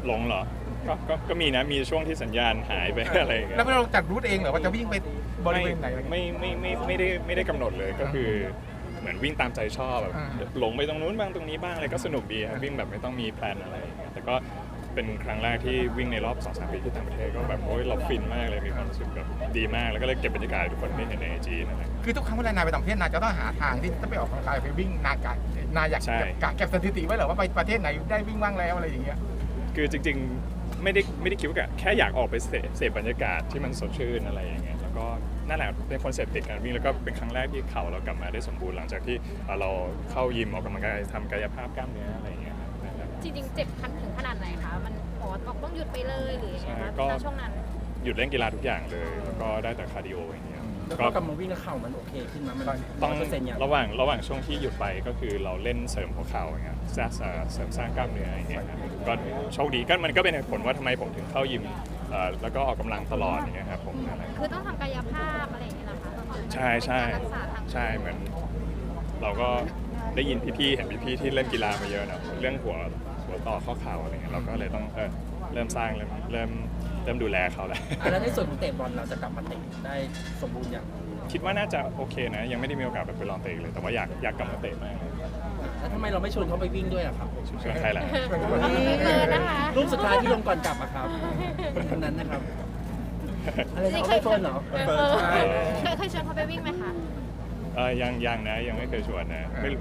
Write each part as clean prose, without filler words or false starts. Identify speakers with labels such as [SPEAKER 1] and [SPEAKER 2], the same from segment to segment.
[SPEAKER 1] หลงเหรอก็มีนะมีช่วงที่สัญญาณหายไปอะไรอย่างเงี้ย
[SPEAKER 2] แล้วเราจัดรูทเองเหรอว่าจะวิ่งไปบริเวณไหนอะไรเงี้ย
[SPEAKER 1] ไม่ได้กำหนดเลยก็คือเหมือนวิ่งตามใจชอบแบบ
[SPEAKER 2] อ่า
[SPEAKER 1] หลงไปตรงนู้นบ้างตรงนี้บ้างอะไรก็สนุกดีครับวิ่งแบบไม่ต้องมีแพลนอะไรอย่างเงี้ยแต่ก็เป็นครั้งแรกที่วิ่งในรอบ 2-3 ปีที่ต่างประเทศก็แบบโอ้ยเราฟินมากเลยมีความรู้สึกแบบดีมากแล้วก็เลยเก็บบรรยากาศให้ทุกคนได้เห็นใน IG นั่นแหละ
[SPEAKER 2] คือทุกครั้งเวลานายไปต่างประเทศนายจะต้องหาทางที่จะไปออกกำลังกายไปวิ่งนายอยาก
[SPEAKER 1] ใช่
[SPEAKER 2] เก็บสถิติไว้เหรอว่าไปประเทศไหนได้วิ่งบ้างแล้วอะไรอย่างเงี้ย
[SPEAKER 1] คือจริงๆไม่ได้คิดว่าแค่อยากออกไปเสพบรรยากาศที่มันสดชื่นอะไรอย่างเงี้ยแล้วก็นั่นแหละเป็นคอนเซ็ปต์ติดการวิ่งแล้วก็เป็นครั้งแรกที่เข่าเรากลับมาได้สมบูรณ์หลังจากที่เราเข้ายิมออกกำลังกายทำกายภาพกล้ามเนื้ออะไรอย่างเงี้ยนั่นแหละ
[SPEAKER 3] จริงๆเจ็บคันถึงขนาดไหนคะมันต้องหยุดไปเลยหรือยังไงคะณช่วงนั้น
[SPEAKER 1] หยุดเล่นกีฬาทุกอย่างเลยแล้วก็ได้แต่คาร์ดิโออย่างเงี้ย
[SPEAKER 4] แล้ว
[SPEAKER 1] ก็
[SPEAKER 4] ก็กลับมาวิ่งแล้วเข่ามันโอเคขึ้นมามัน
[SPEAKER 1] ต้อง
[SPEAKER 4] 100%อย่าง
[SPEAKER 1] ระหว่างช่วงที่หยุดไปก็คือเราเล่นเสริมหัวเข่าอย่างเงี้ยเสริมสร้างกล้ามเนื้ออย่างเงี้ยครับก็โชคดีก็มันก็เป็นเหตุผลว่าทำไมผมถึงเข้ายิมแล้วก็ออกกำลังตลอดอย่างเงี้ยครับผมนั่นแหละ
[SPEAKER 3] คือต้องทำกายภาพอะไรอย่างเงี้ยเหรอคะ
[SPEAKER 1] ใช่ใช่
[SPEAKER 3] รักษาทาง
[SPEAKER 1] ใช่เหมือนเราก็ได้ยินพี่ๆเห็นพี่ๆที่เล่นกีฬามาเยอะเนอะเรื่องหัวต่อข้อเข่าอะไรเงี้ยเราก็เลยต้องเริ่มสร้างเริ่มดูแลเขาแล้ว
[SPEAKER 4] แล้วในส่วนของเตะบอลเราจะกลับมาเตะได้สมบูรณ์อย่าง
[SPEAKER 1] คิดว่าน่าจะโอเคนะยังไม่ได้มีโอกาสไปลองเตะเลยแต่ว่าอยากกลับมาเตะมากเลย
[SPEAKER 4] แล้วทำไมเราไม่ชวนเขาไปวิ่งด้วยอะครับ
[SPEAKER 1] ชวนใครล่ะ
[SPEAKER 3] ไม่เกินนะคะ
[SPEAKER 4] รูปสุดท้ายที่ลงก่อนกลับอะครับคนนั้นนะครับ อะไรนะเขาไม่เฟิร์นเหรอ
[SPEAKER 3] เคยชวนเขาไปวิ่งไหมคะ
[SPEAKER 1] ยังนะยังไม่เคยชวนนะไม่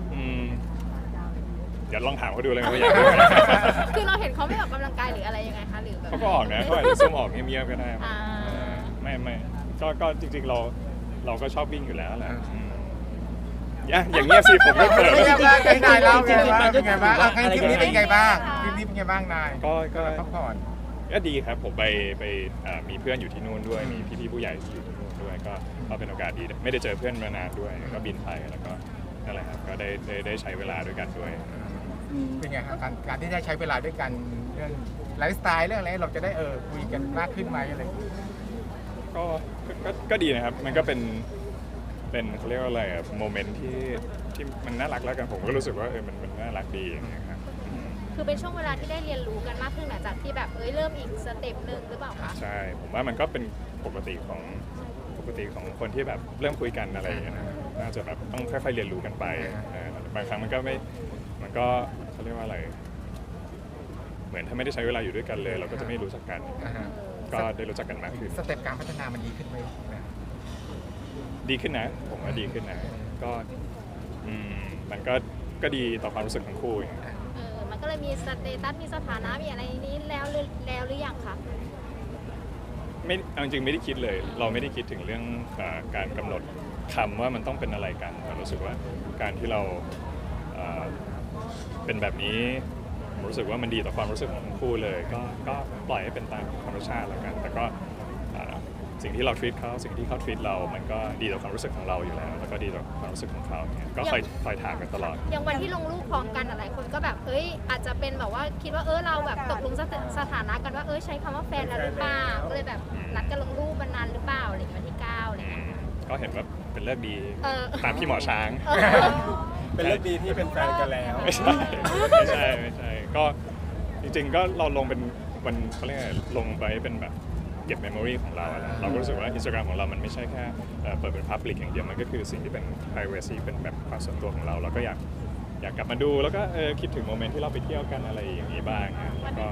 [SPEAKER 1] เดี๋ยวลองถามเขาดูเลยว่าอยากไปไหม
[SPEAKER 3] คือเราเห็นเขาไม่ออกกำลังกายหรืออะไรยังไงคะหรือแบบ
[SPEAKER 1] เขาก็ออกนะเขาอาจจะซุ่มออกเงียบๆก็ได้
[SPEAKER 3] อ่า
[SPEAKER 1] ไม่ก็จริงๆเราก็ชอบวิ่งอยู่แล้วแหละอย่างเงี้ยสิผมไม่เปิด
[SPEAKER 2] เป็นไงบ้างนายเล่าไงบ้างเป็นไงบ้างคลิปนี้เป็นไงบ้างคลิปนี้เป็นไงบ้างนาย
[SPEAKER 1] ก็
[SPEAKER 2] พักผ่อน
[SPEAKER 1] ก็ดีครับผมไปมีเพื่อนอยู่ที่นู่นด้วยมีพี่ๆผู้ใหญ่ที่อยู่ที่นู่นด้วยก็เป็นโอกาสดีไม่ได้เจอเพื่อนมานานด้วยก็บินไปแล้วก็นั่นแหละครับก็ได้ใช้เวลาด้วยกันด้วย
[SPEAKER 2] เป็นไงครับการที่ได้ใช้เวลาด้วยกันเรื่องไลฟ์สไตล์เรื่องอะไรเราจะได้คุยกันมากขึ้นไหมอะไรอย่างเงี้ย
[SPEAKER 1] ก็ดีนะครับมันก็เป็นเขาเรียกว่าอะไรอะโมเมนต์ที่มันน่ารักแล้วกันผมก็รู้สึกว่ามันน่ารักดีอย่างเงี้ยครับ
[SPEAKER 3] คือเป็นช่วงเวลาที่ได้เรียนรู้กันมากขึ้นหลังจากที่แบบเริ่มอีกสเต็ปหนึ่งหรือเปล่าคะ
[SPEAKER 1] ใช่ผมว่ามันก็เป็นปกติของคนที่แบบเริ่มคุยกันอะไรอย่างเงี้ยนะน่าจะแบบต้องค่อยๆเรียนรู้กันไปบางครั้งมันก็เขาเรียกว่าอะไร เหมือนถ้าไม่ได้ใช้เวลาอยู่ด้วยกันเลย เราก็จะไม่รู้จักกัน ก็ได้รู้จักกันมากขึ้น
[SPEAKER 2] สเต็ปการพัฒนามันดีขึ้นไหม
[SPEAKER 1] ดีขึ้นนะผมว่าดีขึ้นนะก็มันก็ดีต่อความรู้สึกของคู่อย่างเงี้ย
[SPEAKER 3] มันก็เลยมีสเตตัสมีสถานะมีอะไรนี้แล้วหรือยังคะ
[SPEAKER 1] ไม่เอาจริงๆไม่ได้คิดเลย เราไม่ได้คิดถึงเรื่องการกำหนดคำว่ามันต้องเป็นอะไรกันแต่รู้สึกว่าการที่เราเป็นแบบนี้ผมรู้สึกว่ามันดีต่อความรู้สึกของทั้งคู่เลยก็ปล่อยให้เป็นตามธรรมชาติแล้วกัน แต่ก็สิ่งที่เรา treat เขาสิ่งที่เขา treat เรามันก็ดีต่อความรู้สึกของเราอยู่แล้วแล้วก็ดีต่อความรู้สึกของเขาเนี่ยก็คอยถามกันตลอด
[SPEAKER 3] อย่างวันที่ลงรูปพร้อมกันหลายคนก็แบบอาจจะเป็นแบบว่าคิดว่าเราแบบตกลงสถานะกันว่าใช้คำว่าแฟนแล้วหรือเปล่าก็เลยแบบนัดกันลงรูปมันนานหรือเปล่าอะไรอย่างเงี้ยวันที่ 9อะไรอย่างเงี้ย
[SPEAKER 1] ก็เห็นว่าเป็นเลิกดีตามพี่หมอช้าง
[SPEAKER 5] เป็นเรื่องดีที่เป็นแฟนกันแล้ว
[SPEAKER 1] ไม่ใช่ก็จริงๆก็เราลงเป็นวันเขาเรียกอะไรลงไปเป็นแบบเก็บเมมโมรีของเราอะนะเราก็รู้สึกว่า Instagram ของเรามันไม่ใช่แค่เปิดเป็น Public อย่างเดียวมันก็คือสิ่งที่เป็น privacy เป็นแบบความส่วนตัวของเราเราก็อยากกลับมาดูแล้วก็คิดถึงโมเมนต์ที่เราไปเที่ยวกันอะไรอย่างนี้บ้างนะแล้วก็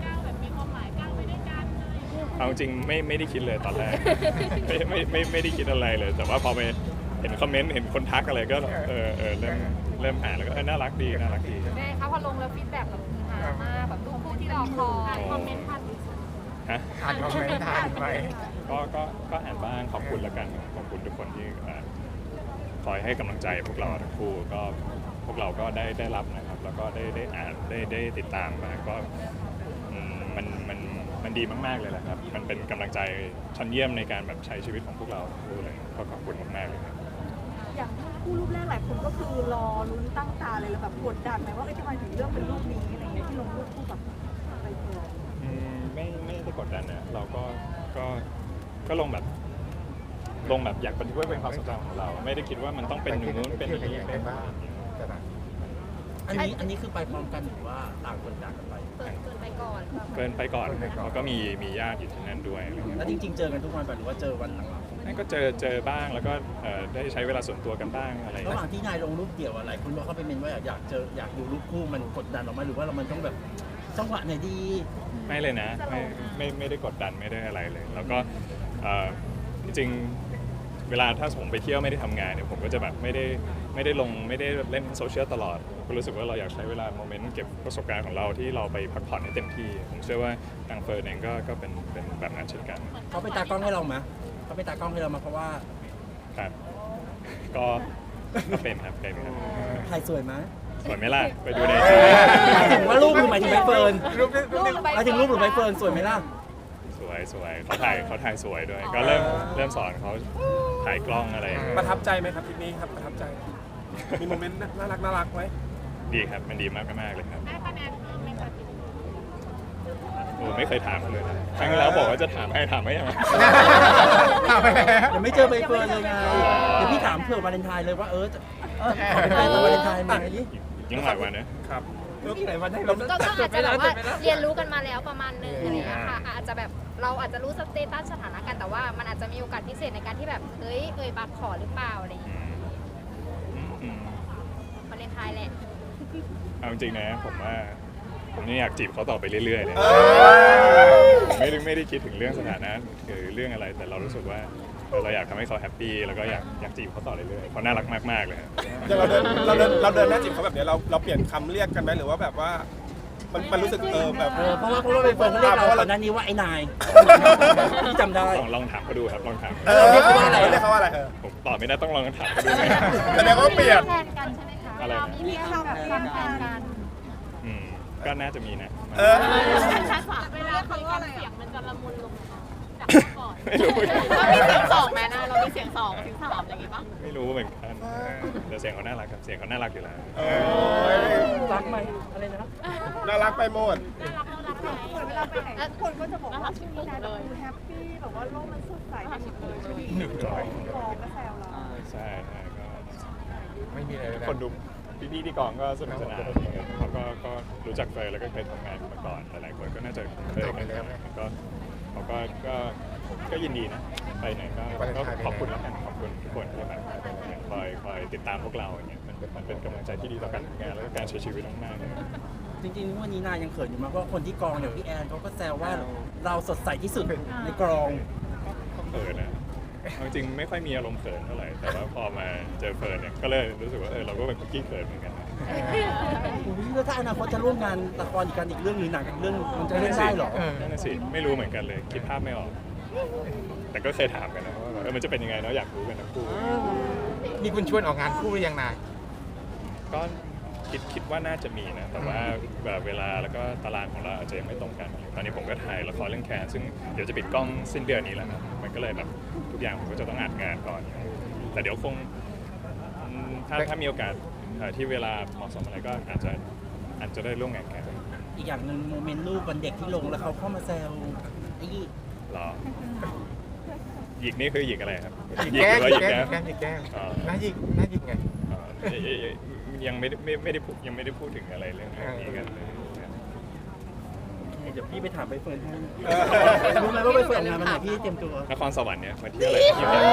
[SPEAKER 1] เอาจริงไม่ได้คิดเลยตอนแรก ไม่ได้คิดอะไรเลย แต่ว่าพอไปเห็นคอมเมนต์เห็นคนทักอะไรก็เริ่มอ่านแล้วก็น่ารักดี
[SPEAKER 3] แม่คะพอลงแล้วฟีดแบ็กแบบฮามากแบบรูปคู่ที่รอคอยคอมเมนต์ทัน
[SPEAKER 1] ฮะ
[SPEAKER 2] อ่านคอมเมนต์ทานไป
[SPEAKER 1] ก็อ่านบ้างขอบคุณแล้วกันขอบคุณทุกคนที่คอยให้กำลังใจพวกเราทั้งคู่ก็พวกเราก็ได้รับนะครับแล้วก็ได้อ่านได้ติดตามมาก็มันดีมากๆเลยแหละครับมันเป็นกำลังใจชั้นเยี่ยมในการแบบใช้ชีวิตของพวกเราทั้งคู่เลยก็ขอบคุณมากๆเลยครับ
[SPEAKER 6] อย่างคู่รูปแรกหลายคนก็คือรอลุ้นตั้งตาเลยแล้วแบบกดดันไหมว่าทำไมถึงเลือกเป็นรูปนี้อะไรเงี้ยที่ลงรูปคู่กับใบเฟิร์น
[SPEAKER 1] ไม่ได้กดดันนะเราก็ลงแบบอยากบันทึกไว้เป็นความทรงจำของเรา ไม่ได้คิดว่ามันต้องเป็นอย่างนู้นเป็นอย่างนี้เป็นบ้าง
[SPEAKER 4] อันนี้คือไปพร้อมกันหรือว่าต่างคนต่างกันไป
[SPEAKER 3] เกินไปก่อน
[SPEAKER 1] เฟิร์นไปก่อนเขาก็มีญาติอยู่ที่นั่นด้วยอะไรเงี้ย
[SPEAKER 4] แล้วจริงๆเจอกันทุกวันป่ะหรือว่าเจอวันหลัง
[SPEAKER 1] นั่นก็เจอบ้างแล้วก็ได้ใช้เวลาส่วนตัวกันบ้างอะไร
[SPEAKER 4] ระหว่างที่นายลงรูปเดี่ยวอะไรคุณบอกเขาไปเมนว่าอยากดูรูปคู่มันกดดันออกมาหรือว่ามันต้องแบบจังหวะไหนดี
[SPEAKER 1] ไม่เลยนะไม่ได้กดดันไม่ได้อะไรเลย แล้วก็จริงๆเวลาถ้าผมไปเที่ยวไม่ได้ทำงานเนี่ยผมก็จะแบบไม่ได้ลงไม่ได้เล่นโซเชียลตลอดก็รู้สึกว่าเราอยากใช้เวลาโมเมนต์เก็บประสบการณ์ของเราที่เราไปพักผ่อนให้เต็มที่ผมเชื่อว่าทางเฟิร์นเองก็เป็นแบบนั้นเช่นกัน
[SPEAKER 4] เขาเป็นตากล้องให้เราไหมเขาเป็นตากล้องให้เรามาเพราะว่า
[SPEAKER 1] ครับก็เป็นครับเป็นครับ
[SPEAKER 4] ถ่ายสวยไหม
[SPEAKER 1] สวยไหมล่ะไปดูในไอ
[SPEAKER 4] หมายถึงว่ารูปหรือหมายถึงใบเฟิร์น
[SPEAKER 2] รูปนี้
[SPEAKER 4] หมายถึงรูปหรือใบเฟิร์นสวยไหมล่ะ
[SPEAKER 1] สวยเขาถ่ายสวยด้วย ก็เริ่มสอนเขาถ่ายกล้องอะไร
[SPEAKER 5] ประทับใจไหมครับทริปนี้ครับประทับใจ มีโมเมนต์น่ารักไหม
[SPEAKER 1] ดีครับมันดีมากเลยครับโอ้ไม่เคยถามเขาเลยนะครั้งที่แล้วบอกว่าจะถามให้ยัง
[SPEAKER 2] ถามไปแล้ว
[SPEAKER 4] ยังไม่เจอใบเฟิร์นเลยไงเดี๋ยวพี่ถามเผื่อวาเลนไทน์เลยว่าจะขอเป็นแฟนวาเลนไทน์ไหม
[SPEAKER 1] ยังหลายวันนะ
[SPEAKER 5] ครับ
[SPEAKER 4] อีกหลายวันให้เรา
[SPEAKER 3] ก็อาจจะแบบว่าเรียนรู้กันมาแล้วประมาณนึงอะไรอย่างเงี้ยค่ะอาจจะแบบเราอาจจะรู้สเตตัสสถานะกันแต่ว่ามันอาจจะมีโอกาสพิเศษในการที่แบบเอ้ยปากขอหรือเปล่าอะไรอย่างเงี้ย
[SPEAKER 1] อืม
[SPEAKER 3] วาเลนไทน์แหละ
[SPEAKER 1] เอาจริงๆนะผมว่าผมยังอยากจีบเขาต่อไปเรื่อยๆเลยไม่ได้คิดถึงเรื่องสถานะหรือเรื่องอะไรแต่เรารู้สึกว่าเราอยากทำให้เขาแฮปปี้แล้วก็อยากจีบเขาต่อเรื่อยๆเขาน่ารักมากๆเลยครับ
[SPEAKER 5] อย่างเราเดินหน้าจีบเขาแบบเนี้ยเราเปลี่ยนคำเรียกกันไหมหรือว่าแบบว่ามันรู้สึกแบบ
[SPEAKER 4] เพราะว่าใบเฟิร์นเขาเรียกเราก่อนหน้านี้ว่าไอ้นายพี่จำได้
[SPEAKER 1] ลองถามเขาดูครับลองถาม
[SPEAKER 4] เรียกเขาว่าอะไร
[SPEAKER 5] เรียกเขาว่าอะไร
[SPEAKER 1] ผมตอบไม่ได้ต้องลองถามเขาดูไหม
[SPEAKER 5] แสดงว่าเปลี่ยน
[SPEAKER 3] แฟนกันใช่ไหมคะ
[SPEAKER 1] อะไรนะ
[SPEAKER 3] มีคำแบบแฟนกัน
[SPEAKER 1] ก็น่าจะมีนะ
[SPEAKER 5] เออ
[SPEAKER 3] เวลาคุยกันเสียงมันจะละมุนลงจากก่อน
[SPEAKER 1] ไม่รู้
[SPEAKER 3] เรามีเสียงสองไหมนะเรามีเสียงสองเสียงสามอะไรอย่างงี้ป่ะ
[SPEAKER 1] ไม่รู้เหมือนกันแต่เสียงเขาน่ารักครับเสียงเขาน่ารักอยู่แล้ว
[SPEAKER 4] รักไหมอะไรนะ
[SPEAKER 5] น่ารักไปหมด
[SPEAKER 6] เหมือนเวลาไปไหนคนก็จะบอกว่าช่วงนี้นะดูแฮปปี้แบบว่าโลกมันสดใสหนึ่งร้อยกองก็แซวเรา
[SPEAKER 1] ใช่ก็
[SPEAKER 2] ไม่มีอะไรเลย
[SPEAKER 1] คนดูพี่ที่กองก็สนุกสนานเขาก็รู้จักเฟยแล้วก็เคยทำงานมาก่อนหลายๆคนก็น่าจะเคยกันก็เขาก็ยินดีนะไปไหนก็ขอบคุณแล้วกันขอบคุณทุกคนที่แบบคอยติดตามพวกเราอย่างเงี้ยมันเป็นกำลังใจที่ดีต่อการทำงานแล้วก็การใช้ชีวิตมากๆเลย
[SPEAKER 4] จริงๆวันนี้นายยังเขินอยู่มากเพราะคนที่กองอย่างพี่แอนเขาก็แซวว่าเราสดใสที่สุดในกอง
[SPEAKER 1] เขินนะเอาจริงไม่ค่อยมีอารมณ์เขินเท่าไหร่แต่ว่าพอมาเจอเฟิร์นเนี่ยก็เลยรู้สึกว่าเราก็เป็นคุกกี้เขินเหมือนกันนะ
[SPEAKER 4] แล้วถ้าอนาคตจะร่วมงานละครอีกกันอีกเรื่องหรือหนังอีกเรื่องมันจะเล่นได้เหรอ
[SPEAKER 1] นั่นน่ะสิไม่รู้เหมือนกันเลยคิดภาพไม่ออก แต่ก็เคยถามกันนะว่ามันจะเป็นยังไงเนาะอยากรู้กันทั้งคู่
[SPEAKER 2] มีคุณชวนออกงานคู่หรือยังนาย
[SPEAKER 1] ก็คิดว่าน่าจะมีนะแต่ว่าแบบเวลาแล้วก็ตารางของเราอาจจะยังไม่ตรงกัน ตอนนี้ผมก็ถ่ายละครเรื่องแคนซึ่งเดี๋ยวจะปิดกล้องสิ้นเดือนนี้แล้วนะมันก็เลยแบบทุกอย่างผมก็จะต้องอัดงานก่อน แต่เดี๋ยวคงถ้ามีโอกาสที่เวลาเหมาะสมอะไรก็อาจจะได้ร่วมงานกัน
[SPEAKER 4] อีกอย่างหนึ่งโมเมนต์รูปวันเด็กที่ลงแล้วเขาเข้ามาแซวไอ้นี่
[SPEAKER 1] หรอหยิกนี่คือหยิกอะไรครับ
[SPEAKER 2] หยิก
[SPEAKER 1] หยิก
[SPEAKER 2] แก้
[SPEAKER 1] หรือว่าหยิกแก้
[SPEAKER 2] หยิกแก้
[SPEAKER 1] อ๋อ
[SPEAKER 2] น่าหยิกไง
[SPEAKER 1] ยังไม่ได้พูดถึงอะไรเรื่องนี้กันเลย
[SPEAKER 4] เดี๋ยวพี่ไปถามใบเฟิร์นให้รู้ไหมว่าใบเฟิร์นออกงานวันไหนพี่เตรียมตัวน
[SPEAKER 1] ครสวรรค์เนี่ยมาเที่ยวอะไรที่แบบ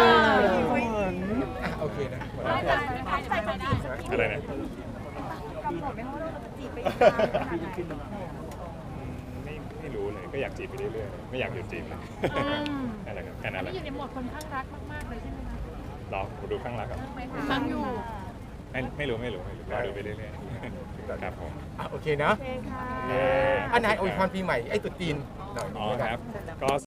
[SPEAKER 2] โอเคนะ
[SPEAKER 1] อะไรนะ
[SPEAKER 6] กำหนดไหมว่าเราจะจีบไปอีกนานขนาดไหน
[SPEAKER 1] ไม่รู้เลยก็อยากจีบไปเรื่อยๆไม่อยากหยุดจีบเลยนั่นแหละครับแค่นั้นแหละ
[SPEAKER 3] อยู่ในโหมดคนข้างรักมากๆเลยใช่ไหมคะ
[SPEAKER 1] รอดูข้างหลังครับ
[SPEAKER 3] ข้างอยู่
[SPEAKER 1] ไม่รู้รอดูไปเรื่อยๆครับผม
[SPEAKER 2] โอเคเนาะ
[SPEAKER 6] โอเคค่ะ
[SPEAKER 2] นายอวยพรปีใหม่ไอ้ตุ๊ดจีนหน่อย
[SPEAKER 1] อ๋อครับก็